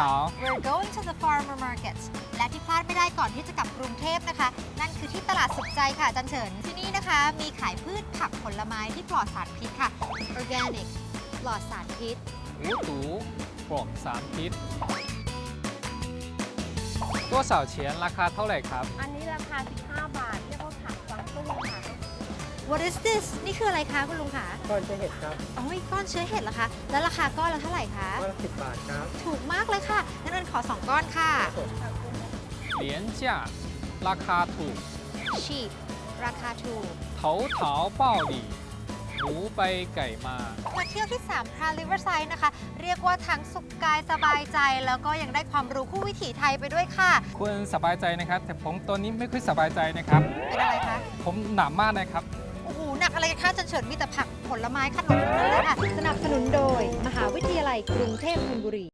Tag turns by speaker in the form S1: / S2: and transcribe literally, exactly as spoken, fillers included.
S1: We're going to the farmer markets และที่พลาดไม่ได้ก่อนที่จะกลับกรุงเทพนะคะ นั่นคือที่ตลาดสุขใจค่ะอาจันเฉินที่นี่นะคะ มีขายพืชผักผลไม้ที่ปลอดสารพิษค่ะ Organic ปลอดสารพิษ
S2: 无毒ปลอดสารพิษตัวเสาเฉียนราคาเท่าไหร่ครับ
S3: อันนี้ราคา สิบห้า บาท เรียกว่าผักกวางตุ้งค่ะ
S1: What is this นี่คืออะไรคะคุณลุงคะ
S4: ก้อนเชื้อเห็ดครับ
S1: โอ้ยก้อนเชื้อเห็ดเหรอคะ แล้วราคาก้อนละเท่าไหร่คะ
S4: ก้อนละสิบบาทครับ
S1: ถูกมากเลยค่ะงั้นเอิญขอสองก้อนค่ะ
S2: เหรียญจ่าราคาถูก
S1: cheap ราคาถูก
S2: เถาเถาเป้าหลี่หมูไปไก่มา
S1: มาเที่ยวที่สามพรานริเวอร์ไซด์นะคะ เรียกว่าทั้งสุขกายสบายใจ แล้วก็ยังได้ความรู้คู่วิถีไทยไปด้วยค่ะ
S2: คุณสบายใจนะครับ แต่ผมตัวนี้ไม่ค่อยสบายใจนะครับ
S1: เป็นอะไรคะ
S2: ผมหนามากนะครับ
S1: โอ้โห หนักอะไรกันคะจันเฉินมีแต่ผักผลไม้ขนมทั้งนั้นเลยค่ะ สนับสนุนโดย มหาวิทยาลัยกรุงเทพธนบุรี